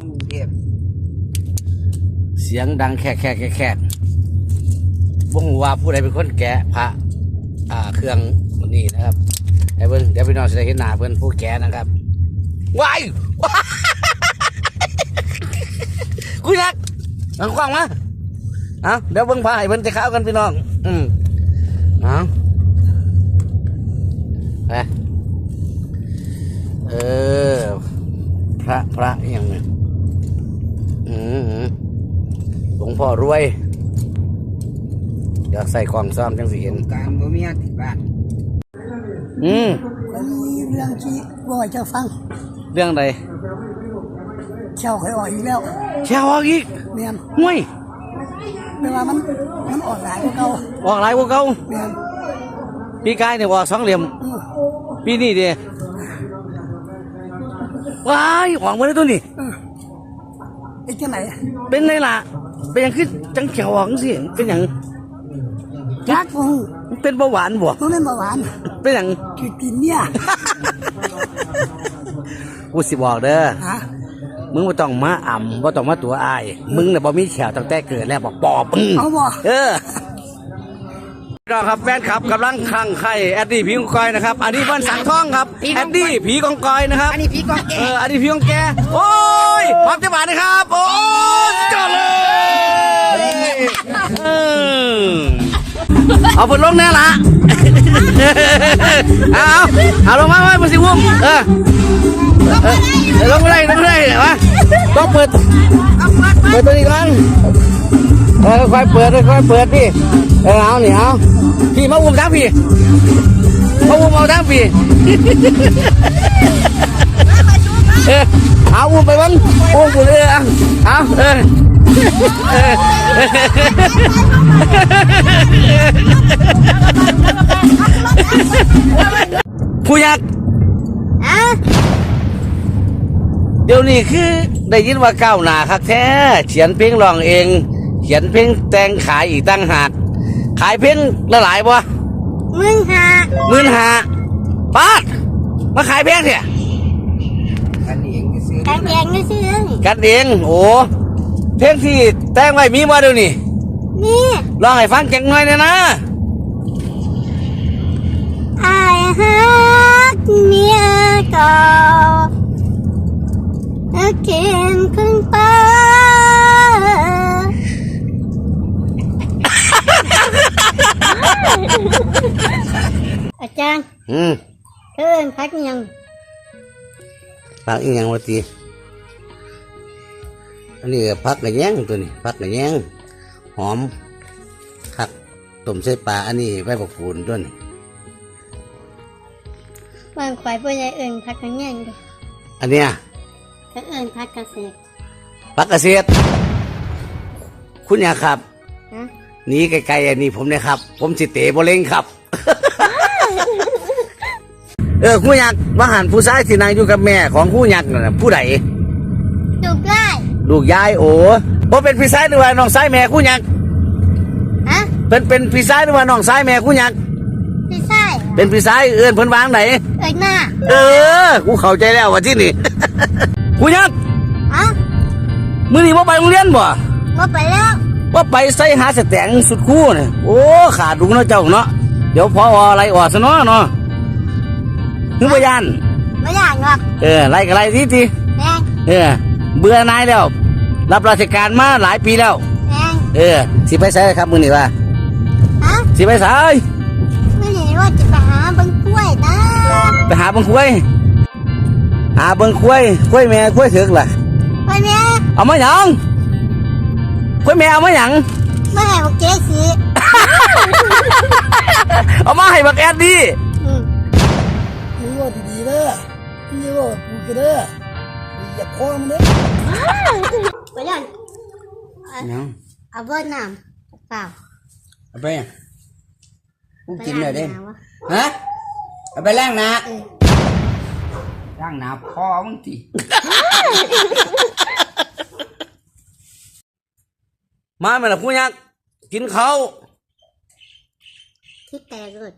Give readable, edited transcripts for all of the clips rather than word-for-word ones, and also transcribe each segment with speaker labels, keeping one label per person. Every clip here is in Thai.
Speaker 1: เสียงดังแค่บ่ฮู้ว่าผู้ใดเป็นคนแกะพระเครื่องนี่นะครับไอ้เพิ่นเดี๋ยวพี่น้องจะได้เห็นหน้าเพิ่นผู้แกะนะครับว้ายกูยักหลังกว้างมาเอาเดี๋ยวเบิ่งพาให้เพิ่นจะเข้ากันพี่น้องเอาไปพระอย่างนี้หลวงพ่อรวยอยากใส่กล่องซ้อมจังสิเห็น
Speaker 2: การบ่มีที่บ้าน
Speaker 1: มี
Speaker 3: เรื่องที่บ่อยจะฟัง
Speaker 1: เรื่องใด
Speaker 3: เชี่ยวเคยออกอีกแล้ว
Speaker 1: เชี่ยวออกอีก
Speaker 3: เนี่ย
Speaker 1: ห่วย
Speaker 3: แต่ว่ามันออกหลายกว่าเก่า
Speaker 1: ออกหลายกว่าเก่า
Speaker 3: เนี่ย
Speaker 1: ปีกายเนี่ยออก2 เหลี่ยมปีนี้เดียว้ายออกมาได้ตัวนี้
Speaker 3: ไอ้ที่ไหน
Speaker 1: เป็นไงล่ะเป็นยังขึ้นจังเขียวออกสิเป็นอย่าง
Speaker 3: จักฟู
Speaker 1: เป็นเบาหวานบ่
Speaker 3: มันเป็นเบาหวาน
Speaker 1: เป็นอย่าง
Speaker 3: กินเนี่ย
Speaker 1: กูสิบอกเด้อมึงบ่ต้องมาบ่ต้องมาตัวอายมึงน่ะบ่มีแขวตั้งแต่เกิดแล้วบอกปอบมึง
Speaker 3: เอาบ่
Speaker 1: น้องครับแฟนคลับกำลังคลั่งไคล้แอดดี้ผีกองกอยนะครับอันนี้บ้านสังทองครับแอดดี้ผีกองกอยนะครับ
Speaker 3: อันนี้ผีกองแก
Speaker 1: อันนี้ผีกองแกโอ้ยพร้อมจะมาเลยครับโอ้ยจอดเลยเอาฝนลงแน่ละเอาลงมาไว้มาสิวุ้มลงไม่ได้วะต้องเปิดตัวนี้ก่อนค่อยเปิดพี่เอานี่เอาพี่มาอุ้มทั้งพี่มาอุ้มเอาทั้งพี่เอาอุ้มไปบ้างอุ้มกูเลยเอาผู้ยักษ์เดี๋ยวนี้คือได้ยินว่าก้าวหน้าคักแท้เขียนเพลงร้องเองเขียนเพลงแต่งขายอีกตั้งหากขายเพลงละหลายบ่15,000 บาทมาขายเพลงเนี่ย
Speaker 2: กันเองซื้อ
Speaker 1: กันเองโอ้เพลงที่แต่งไว้มีมาเดี๋ยวนี้ลองให้ฟังจังหน่อยเนี่ยนะ
Speaker 4: ไอ้ฮักเมียเก่าเขียนขึ้นไปอาจารย์เอิ้นพักยัง
Speaker 1: พักอีกอย่างวะตีอันนี้พักกระแยงตัวนี้พักกระแยงหอมคักต้มใส่ปลาอันนี้ใบบักฟูนด้วยนี่
Speaker 4: บางควายพ่อใหญ่เอิ้นพักกระแยงดิ
Speaker 1: อันเนี้ย
Speaker 4: เขาเอิ้นพักเกษตร
Speaker 1: พักเกษตรคุณอยากครับนี่ไกลๆอันนี้ผมเนี่ยครับผมสิเตะบอลเล่งครับคู่ยักษ์ว่าหันผู้ชายที่นางอยู่กับแม่ของคู่ยักษ์น่ะผู้ใดลูกยายโอ้บ่เป็นพี่ชายหรือว่าน้องชายแม่คู่ยักษ์เป็นพี่ชายหรือว่าน้องชายแม่คู่ยักษ์
Speaker 4: พี่ชาย
Speaker 1: เป็นพี่ชายเอื้อนเพิ่นวางไหน
Speaker 4: หน้า
Speaker 1: กูเข้าใจแล้วว่าที่นี่คู่ยักษ์มื้อนี้บ่ไปโรงเรียนบ่
Speaker 4: ไปแล้ว
Speaker 1: ว่าไปใส่หาสแตงสุดคู่เนี่ยโอ้ขาดดุงเนาะเจ้าเนาะเดี๋ยวพออะไรออกซะเนาะนึกว่ายัน
Speaker 4: ไม่อยากหรอก
Speaker 1: ไล่กับไล่ทีเบื่อนายแล้วรับราชการมาหลายปีแล้วสิไปใส่ครับมือนี่ว่าสิไปใส่
Speaker 4: ไม่เห็นว่าจะไปหาบังคุ้ยนะ
Speaker 1: ไปหาบังคุ้ยคุ้ยแม่คุ้ยถึกล่ะ
Speaker 4: คุ้ยแม่
Speaker 1: เอามาหยังคุ้ยแม่เอามาหยัง
Speaker 4: ไม่ให้บักเจ๊สิ
Speaker 1: เอามาให้บักแอดดี้
Speaker 3: นี่ว่าดีๆเลยนี่ว่ากูกันเลยอย่าคล้องเลย
Speaker 4: ไปยันเอาเบอร์น้ำเปล่า
Speaker 2: เอาไปกูกินเลยดิฮะเอาไปล้างหน้าพอมึงที
Speaker 1: มาไหมล่ะผู้ยักษ์กินเขา
Speaker 4: ที่แตกเลย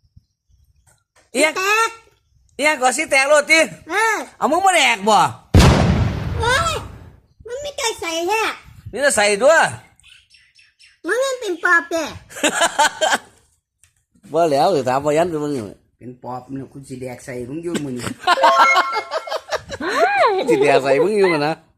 Speaker 1: เอียงก่อนสิแตกโรตีเอามึงมาแดกบ่
Speaker 4: ส่แท้
Speaker 1: นี่จะใส่ตัว
Speaker 4: มันไม่เป็นปอบเด้
Speaker 1: ว่าแล้วถามว่ายันไปมึงอยู่
Speaker 2: เป็นปอบเนี่ยคุณสิแดกใส่มึงอยุ่มึง
Speaker 1: สิเดียใส่มึงอยู่มันนะ